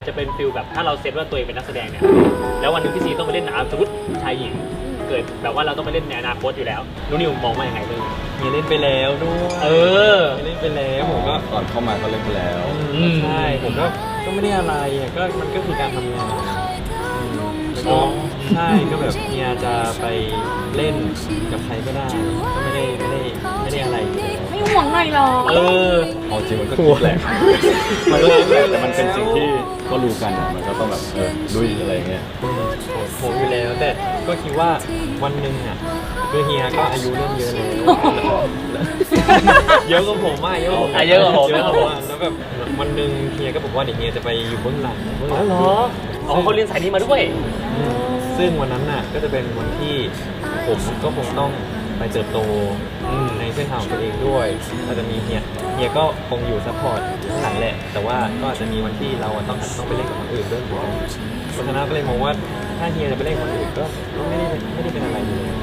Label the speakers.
Speaker 1: จะเป็นฟิลแบบถ้าเราเซตว่าตัวเองเป็นนักแสดงเนี่ยแล้ววันนึงพี่ซีต้องไปเล่นหนังสมมติชายหญิงเกิดแบบว่าเราต้องไปเล่นในอนาคตอยู่แล้วนุนิวมองว่ายังไงเรื่อง
Speaker 2: มีเล่นไปแล้วด้วยมีเล่นไปแล้วผมก็
Speaker 3: ก่อนเข้ามาก็เล่นไปแล้ว
Speaker 2: ใช่ผมก็ไม่ได้อะไรก็มันก็คือการทำงานใช่ก็แบบเฮียจะไปเล่นกับใครก็ได้ก็ไม่ได้อะไร
Speaker 4: ไม่ห่วงหน่อยหรอ
Speaker 3: เอาจริงมันก็คิดแหละมันก็คิดแหละแต่มันเป็นสิ่งที่ก็รู้กันมันก็ต้องแบบลุยอะไรเงี้ย
Speaker 2: ผมอยู่แล้วแต่ก็คิดว่าวันหนึ่งอ่ะคือเฮียก็อายุเริ่มเยอะแล้วเยอะกว่าผมมากเยอะกว่าผมแล้วแบบวันหนึ่งเฮียก็บอกว่าเดี๋ยวเฮียจะไปอยู่เบื้องหลัง
Speaker 1: เหรอเขาเรียนสายนี้มาด้วย
Speaker 2: ซึ่งวันนั้นน่ะก็จะเป็นวันที่ผมก็คงต้องไปเติบโตในเส้นทางของตัวเองด้วยอาจจะมีเฮียก็คงอยู่ซัพพอร์ตข้างหลังแหละแต่ว่าก็อาจจะมีวันที่เราต้องไปเล่นกับคนอื่นด้วยเพราะฉะนั้นก็เลยมองว่าถ้าเฮียจะไปเล่นกับคนอื่นก็ไม่ได้เป็นอะไรเลย